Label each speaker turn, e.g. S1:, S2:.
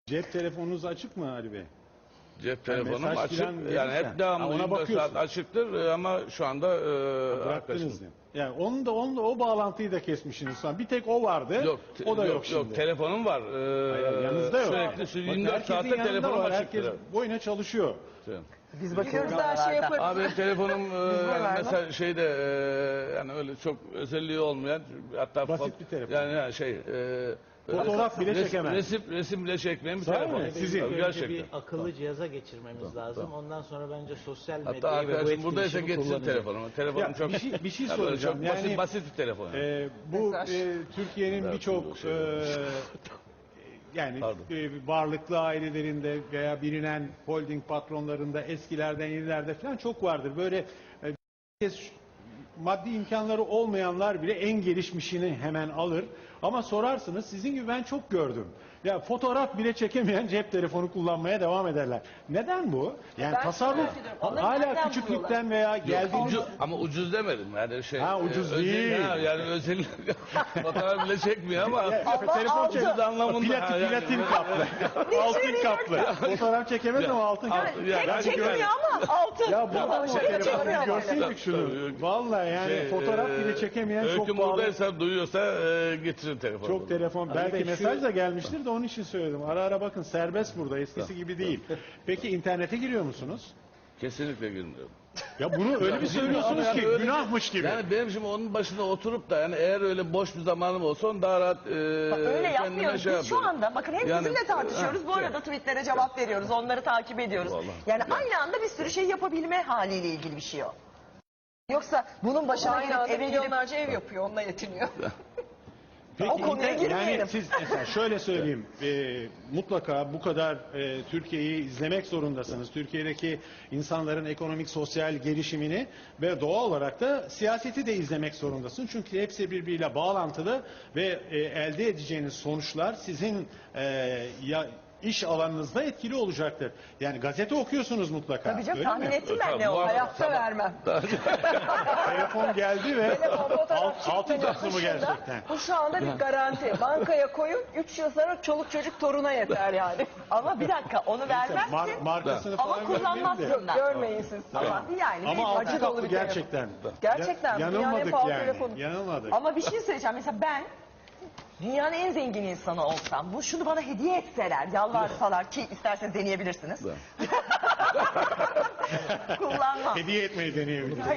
S1: Cep telefonunuz açık mı Ali Bey?
S2: Cep telefonum
S1: mesaj
S2: açık.
S1: filan
S2: Yani
S1: verirsen,
S2: hep devamlı
S1: ona
S2: 24 saat
S1: bakıyorsun.
S2: açıktır ama şu anda
S1: Bıraktınız
S2: arkadaşım.
S1: mı? Yani onu da o bağlantıyı da kesmişsiniz sonra. Bir tek o vardı.
S2: Yok,
S1: o da yok,
S2: yok,
S1: şimdi.
S2: Telefonum var.
S1: Hayır, yanınızda yok.
S2: Sürekli
S1: Bakın
S2: 24
S1: herkesin
S2: saatte
S1: yanında
S2: telefonum
S1: var.
S2: açıktır.
S1: Herkes boyuna çalışıyor.
S3: Biz bakıyoruz her şey yaparız.
S2: Abi benim telefonum
S3: vermem.
S2: mesela şeyde yani öyle çok özelliği olmayan, hatta
S1: Basit bir telefon.
S2: Yani
S1: Fotoğraf bile çekemez.
S2: Resim bile çekmeyen bir
S1: Sahi
S2: telefon.
S1: mi? Sizin.
S2: Tabii,
S4: Önce
S2: gerçekten.
S4: bir akıllı cihaza geçirmemiz lazım. Ondan sonra bence sosyal
S2: Hatta
S4: medyayı ve bu
S2: arkadaşım buradaysa
S4: etkileşimi
S2: getirsin
S4: kullanacak.
S2: telefonumu. Telefonum
S1: Ya,
S2: çok
S1: bir şey
S2: ya böyle
S1: soracağım.
S2: çok
S1: Yani,
S2: basit bir telefon.
S1: Bu
S3: Mesaj.
S1: Türkiye'nin birçok yani varlıklı ailelerinde veya bilinen holding patronlarında eskilerden yenilerde falan çok vardır. Böyle maddi imkanları olmayanlar bile en gelişmişini hemen alır. Ama sorarsınız, sizin gibi ben çok gördüm. Ya fotoğraf bile çekemeyen cep telefonu kullanmaya devam ederler. Neden bu? Yani
S3: Ben
S1: tasarruf
S3: merak ediyorum. Onları
S1: hala
S3: nereden
S1: küçüklükten veya geldiğiniz...
S2: Ama ucuz demedim yani şey.
S1: Ha, ucuz değil.
S2: Yani özel fotoğraf bile çekmiyor ama
S1: telefon
S2: ucuz anlamında.
S1: platin kaplı. altın kaplı. Fotoğraf çekemez ama altın kaplı.
S2: Yani
S3: Çekmiyor ama altın.
S1: Ya bu o telefonu
S3: çekmiyor ama.
S1: görseydik şunu. Vallahi yani fotoğraf bile çekemeyen çok
S2: Öyküm
S1: pahalı.
S2: buradaysa, duyuyorsa getirin telefonu.
S1: Çok telefon. Belki
S4: Bey,
S1: mesaj da gelmiştir de onun için söyledim. Ara ara bakın, serbest burada. Eskisi gibi değil. Peki internete giriyor musunuz?
S2: Kesinlikle girmiyorum.
S1: Ya bunu öyle bir söylüyorsunuz
S2: Yani
S1: ki
S2: öyle
S1: günahmış gibi.
S2: Yani benim şimdi onun başında oturup da yani eğer öyle boş bir zamanım olsa onu daha rahat
S3: Öyle yapmıyoruz. Biz şu
S2: yapıyorum.
S3: anda bakın hem
S2: Yani-
S3: sizinle tartışıyoruz. Bu arada tweetlere cevap veriyoruz. Onları takip ediyoruz.
S2: Vallahi.
S3: Yani aynı anda bir sürü şey yapabilme haliyle ilgili bir şey o. Yoksa bunun başına gelip eve milyonlarca ev yapıyor. Onunla yetiniyor.
S1: Peki,
S3: O konuya girmeyelim.
S1: Yani siz mesela şöyle söyleyeyim, mutlaka bu kadar Türkiye'yi izlemek zorundasınız. Türkiye'deki insanların ekonomik, sosyal gelişimini ve doğal olarak da siyaseti de izlemek zorundasınız. Çünkü hepsi birbiriyle bağlantılı ve elde edeceğiniz sonuçlar sizin iş alanınızda etkili olacaktır. Yani gazete okuyorsunuz mutlaka.
S3: Tabii canım,
S1: öyle
S3: tahmin
S1: mi?
S3: ettim ben
S2: Tabii,
S3: ne o.
S2: muhakkak.
S3: Hayatta vermem.
S1: Telefon geldi ve
S3: Telefon, fotoğraf
S1: altın
S3: çekmenin
S1: kaplı mı
S3: dışında
S1: gerçekten?
S3: Bu şu anda bir garanti. Bankaya koyun 3 yıl sonra çoluk çocuk toruna yeter yani. Ama bir dakika onu vermezsin.
S1: Markasını
S3: Ama
S1: falan görmeyelim de.
S3: kullanmazsın da. Görmeyin siz. Ama yani
S1: Ama
S3: bir
S1: altın
S3: acı
S1: kaplı
S3: dolu bir telefon.
S1: gerçekten.
S3: Gerçekten. Dünyanın en
S1: Yanılmadık
S3: pahalı
S1: yani.
S3: telefonu.
S1: Yanılmadık.
S3: Ama bir şey söyleyeceğim. Mesela ben dünyanın en zengin insanı olsam, şunu bana hediye etseler, yalvarsalar ki isterseniz deneyebilirsiniz. Kullanmam.
S1: Hediye etmeyi deneyebiliriz.